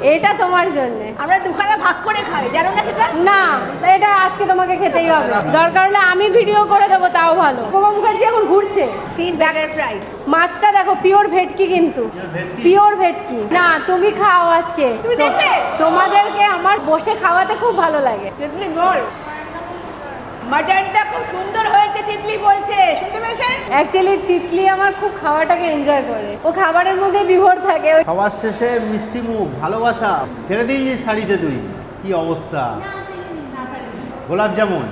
এটা তোমার জন্য। আমরা দুখানা ভাগ করে খাই, জানো না সেটা? না, এটা আজকে তোমাকে খেতেই হবে। দরকার হলে আমি ভিডিও করে দেবো, তাও ভালো। উপমা মুখার্জি এখন ঘুরছে। Fish batter fry. মাছটা দেখো পিওর ভেটকি, কিন্তু পিওর ভেটকি। না, তুমি খাও আজকে। তুমি দেখবে? তোমাদেরকে আমার বসে খাওয়াতে খুব ভালো লাগে। তিতলি বল, মাটনটা খুব সুন্দর হয়েছে তিতলি বলছে, শুনতে পেয়েছেন? অ্যাকচুয়ালি তিতলি আমার খুব খাওয়াটাকে এনজয় করে, ও খাবারের মধ্যে বিভোর থাকে। সবার শেষে মিষ্টি মুখ, ভালোবাসা ফেলে দিয়েছিস শাড়িতে তুই, কি অবস্থা। গোলাপ জামুন,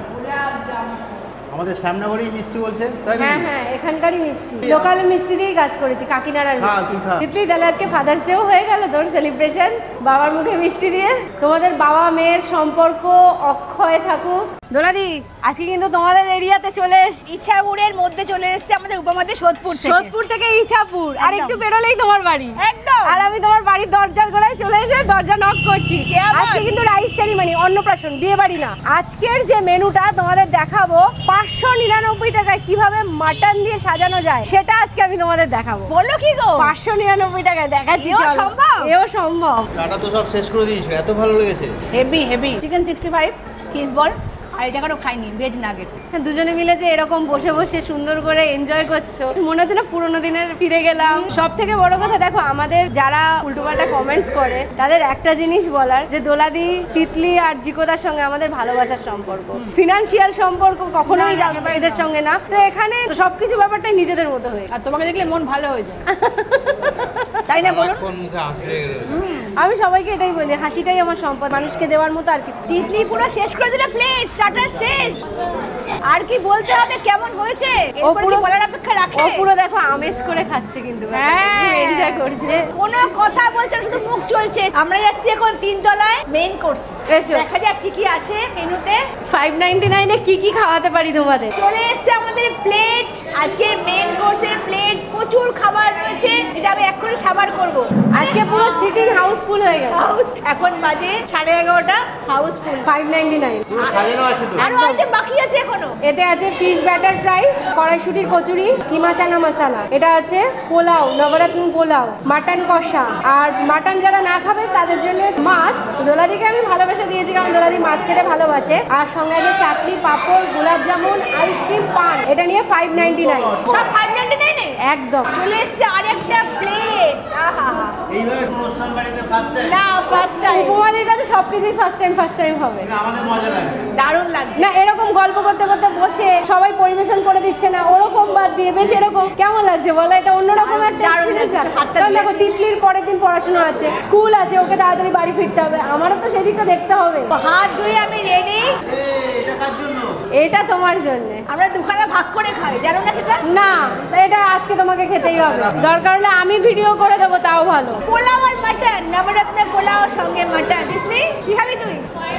আমাদের শ্যামনগরেই মিষ্টি বলছে, তাই হ্যাঁ নাকি? হ্যাঁ, এখানকারই মিষ্টি, লোকাল মিষ্টি দিয়েই কাজ করেছি, কাকিনাড়ার হ্যাঁ, তুই খা। তিতলি, তাহলে আজকে ফাদার্স ডেও হয়ে গেল তোর সেলিব্রেশন বাবার মুখে মিষ্টি দিয়ে। তোমাদের বাবা মেয়ের সম্পর্ক অক্ষয় থাকুক। দোলাদি, আজকে কিন্তু তোমাদের এরিয়াতে চলে এসেছি, ইছাপুরের মধ্যে চলে এসেছে আমাদের উপমাদের সোদপুর থেকে। সোদপুর থেকে ইছাপুর, আর একটু বেরোলেই তোমার বাড়ি। একদম। আর আমি তোমার বাড়ির দরজার গোড়ায় চলে এসে দরজা নক করছি। কে আবার? আজকে কিন্তু রাইস সেরিমনি, অন্নপ্রাশন, বিয়ে বাড়ি না। আজকের যে মেনুটা তোমাদের দেখাবো, 599 টাকায় কিভাবে মাটন দিয়ে সাজানো যায় সেটা আজকে আমি তোমাদের দেখাবো। বলো কি গো? 599 টাকায় দেখাচ্ছি। এও চলো। সম্ভব? এও সম্ভব। টাটা তো সব শেষ করে দিয়েছো, এত ভালো লেগেছে। Heavy heavy chicken 65, fish ball, আর এটা কারো খাইনি, ভেজ নাগেটস। দুজনে মিলে যে এরকম বসে বসে সুন্দর করে এনজয় করছো, মনে হচ্ছে না পুরোনো দিনের ফিরে গেলাম। সব থেকে বড় কথা দেখো, আমাদের যারা উল্টোপাল্টা কমেন্টস করে তাদের একটা জিনিস বলার, যে দোলাদি, তিতলি আর জিকোদার সঙ্গে আমাদের ভালোবাসার সম্পর্ক, ফিনান্সিয়াল সম্পর্ক কখনোই এদের সঙ্গে না। তো এখানে সবকিছু ব্যাপারটাই নিজেদের মতো হয়ে। আর তোমাকে দেখলে মন ভালো হয়ে যায়, তাই না বলুন? কোন মুখে হাসি লেগে রয়েছে। আমি সবাইকে এটাই বলি, হাসিটাই আমার সম্পদ, মানুষকে দেওয়ার মতো আর কিছু। তিতলি পুরো শেষ করে দিলে প্লেট, টাটা শেষ। আর কি বলতে হবে, কেমন হয়েছে এরপর কি বলার অপেক্ষা রাখে? ও পুরো দেখো আমেজ করে খাচ্ছে, কিন্তু হ্যাঁ, এনজয় করছে। কোনো কথা বলছে না, শুধু মুখ চলছে। আমরা যাচ্ছি এখন 3 তলায় মেইন কোর্স, এসো। দেখা যাক কি কি আছে মেনুতে। 599 এ কি কি খাওয়াতে পারি তোমাদের। চলে এসছে আমাদের প্লেট, আজকে মেইন কোর্সের প্লেট, প্রচুর খাবার রয়েছে যেটা আমি এক্ষুনি সাবার করব। আজকে পুরো সিটিং হাউসফুল হয়ে গেছে। এখন বাজে 11:30, হাউসফুল। 599। পুরো সাজানো আছে তো। আরো আইটেম বাকি আছে এখনো। এতে আছে ফিশ ব্যাটার ফ্রাই, কড়াইশুটির কচুরি, কিমা চানা মশলা। এটা আছে পোলাও, নবরত্ন পোলাও, মাটন কষা। আর মাটন যারা না খাবে তাদের জন্য মাছ। দোলাদিকে আমি ভালোবাসা দিয়েছি, কারণ দোলাদি মাছ খেতে ভালোবাসে। আর সঙ্গে আছে চাটনি, পাঁপড়, গোলাপ জামুন, আইসক্রিম, পান। এটা নিয়ে 599। সব 599 একদম। চলে এসছে আরেকটা প্লেট। আহা, এইভাবে কোনো অনুষ্ঠান বাড়িতে ফার্স্ট টাইম। না ফার্স্ট টাইম। উপমাদের কাছে সবকিছুই ফার্স্ট টাইম হবে। আমাদের মজা লাগছে। দারুণ লাগছে। না, এরকম গল্প করতে করতে বসে সবাই পরিবেশন করে দিচ্ছে না, ওরকম বাদ দিয়ে বেশ এরকম কেমন লাগছে বলো? এটা অন্যরকম একটা দারুণ experience। লাগছে, হাতটা কারণ দেখো, দিয়েছি। তিতলির পরের দিন পড়াশোনা আছে, স্কুল আছে, ওকে তাড়াতাড়ি বাড়ি ফিরতে হবে, আমারও তো সেদিকটা দেখতে হবে। হাত ধুয়ে আমি রেডি। এটা কার জন্য? এটা তোমার জন্য। আমরা দুখানা ভাগ করে খাই, জানো না সেটা? না, এটা আজকে তোমাকে খেতেই হবে। দরকার হলে আমি ভিডিও করে দেবো, তাও ভালো। পোলাও আর মাটন, নবরত্ন পোলাও সঙ্গে মাটন। তিতলি কি খাবি তুই?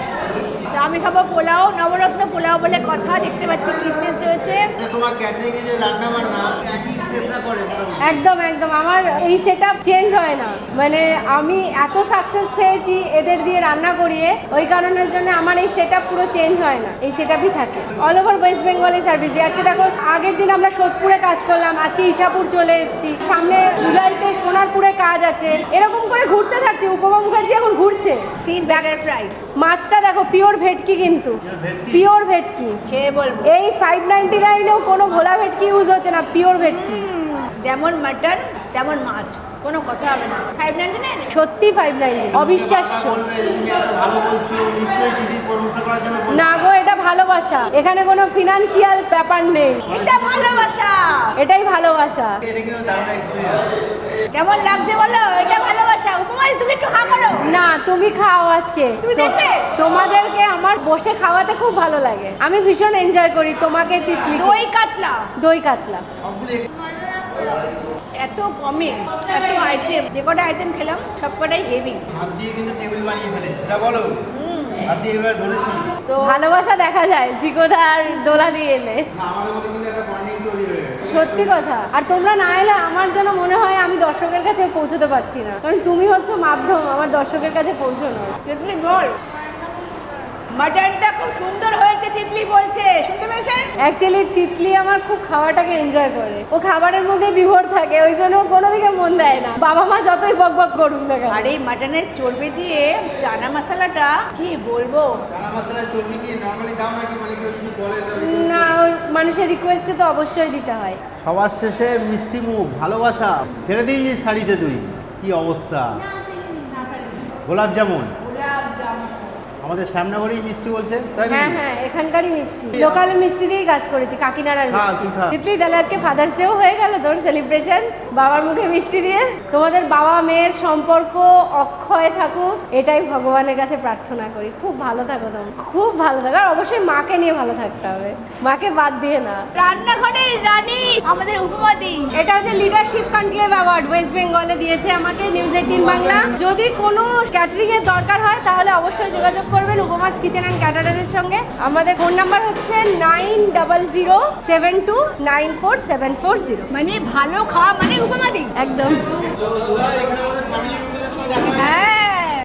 তো আমি খাবো পোলাও, নবরত্ন পোলাও বলে কথা। দেখতে পাচ্ছি কিসমিস রয়েছে। তোমার ক্যাটারিং এ যে রান্না বান্না একই শেফরা করে মোটামুটি। একদম একদম, আমার এই সেটআপ চেঞ্জ হয় না। মানে আমি এত সাকসেস পেয়েছি এদের দিয়ে রান্না করিয়ে, ওই কারণের জন্য আমার এই সেটআপ পুরো চেঞ্জ হয় না, এই সেটআপই থাকে। অল ওভার ওয়েস্ট বেঙ্গলে সার্ভিস দিই। আজকে দেখো, আগের দিন আমরা সোদপুরে কাজ করলাম, আজকে ইছাপুর চলে এসেছি, সামনে জুলাইতে সোনারপুরে কাজ আছে। এরকম করে ঘুরতে থাকছি। উপমা মুখার্জি এখন ঘুরছে। Fish batter fry. মাছটা দেখো পিওর ভেটকি, কিন্তু পিওর ভেটকি। খেয়ে বলবো। এই 599-এও কোনো ভোলা ভেটকি ইউজ হচ্ছে না, পিওর ভেটকি। যেমন মাটন তেমন মাছ, কোনো কথা হবে না। 599 সত্যি 599, অবিশ্বাস্য। বলবে তুমি এত ভালো বলছো, নিশ্চয়ই দিদির প্রশংসা করার জন্য বলছো। না গো, এটা ভালোবাসা, এখানে কোনো ফিনান্সিয়াল ব্যাপার নেই, এটা ভালোবাসা। এটাই ভালোবাসা। এটা কিন্তু দারুণ এক্সপেরিয়েন্স। কেমন লাগছে বলো? এটা ভালোবাসা। উপমা তুমি একটু হা করো। না, তুমি খাও আজকে। তুমি দেখবে? তোমাদেরকে আমার বসে খাওয়াতে খুব ভালো লাগে, আমি ভীষণ এনজয় করি। তোমাকে তিতলি, দই কাতলা, দই কাতলা। সবগুলো এত কমে এত আইটেম, যে কটা আইটেম খেলাম সব কটাই হেভি। হাত দিয়ে কিন্তু টেবিল বানিয়ে ফেলেছি, সেটা বলো। হাত দিয়ে এভাবে ধরেছি। তো ভালোবাসা দেখা যায় জিকোদা আর দোলা দিয়ে এলে, না, আমাদের মধ্যে কিন্তু একটা বন্ডিং তৈরি হয়ে গেছে। সত্যি কথা। আর তোমরা না এলে আমার যেন মনে হয় আমি দর্শকের কাছে পৌঁছতে পারছি না, কারণ তুমি হচ্ছে মাধ্যম আমার দর্শকের কাছে পৌঁছানোর। তুমি বল, মাটনটা খুব সুন্দর হয়েছে তিতলি বলছে, শুনতে পেয়েছেন? অ্যাকচুয়ালি তিতলি আমার খুব খাওয়াটাকে এনজয় করে, ও খাবারের মধ্যে বিভোর থাকে, ওই জন্য ও কোনো দিকে মন দেয় না, বাবা মা যতই বক বক করুক না কেন। আর এই মাটনের চর্বি দিয়ে চানা মশলাটা কি বলবো। চানা মশলা চর্বি কি নরমালি দাও নাকি মানে কেউ যদি বলে না, ওই মানুষের রিকোয়েস্টে তো অবশ্যই দিতে হয়। সবার শেষে মিষ্টি মুখ, ভালোবাসা ফেলে দিয়েছিস শাড়িতে তুই, কি অবস্থা। গোলাপ জামুন আমাদের শ্যামনগরেই মিষ্টি বলছে, তাই হ্যাঁ নাকি? হ্যাঁ, এখানকারই মিষ্টি, লোকাল মিষ্টি দিয়েই কাজ করেছি, কাকিনাড়ার হ্যাঁ, মিষ্টি। তুই খা। তিতলি, তাহলে আজকে ফাদার্স ডেও হয়ে গেল তোর সেলিব্রেশন বাবার মুখে মিষ্টি দিয়ে। তোমাদের বাবা মেয়ের সম্পর্ক অক্ষয় থাকুক, এটাই ভগবানের কাছে প্রার্থনা করি। খুব ভালো থাকো তোমরা, খুব ভালো থাকো, আর অবশ্যই মাকে নিয়ে ভালো থাকতে হবে, মাকে বাদ দিয়ে না। রান্নাঘরের রানী আমাদের উপমাদি। এটা হচ্ছে লিডারশিপ কনক্লেভ অ্যাওয়ার্ড, ওয়েস্ট বেঙ্গলে দিয়েছে আমাকে নিউজ 18 বাংলা। যদি কোনো ক্যাটারিং এর দরকার হয় তাহলে অবশ্যই যোগাযোগ করবেন উপমাস কিচেন অ্যান্ড ক্যাটারারের সঙ্গে। আমাদের ফোন নাম্বার হচ্ছে 9007294740। মানে ভালো খাওয়া মানে উপমাদি। একদম। এখানে আমাদের ফ্যামিলি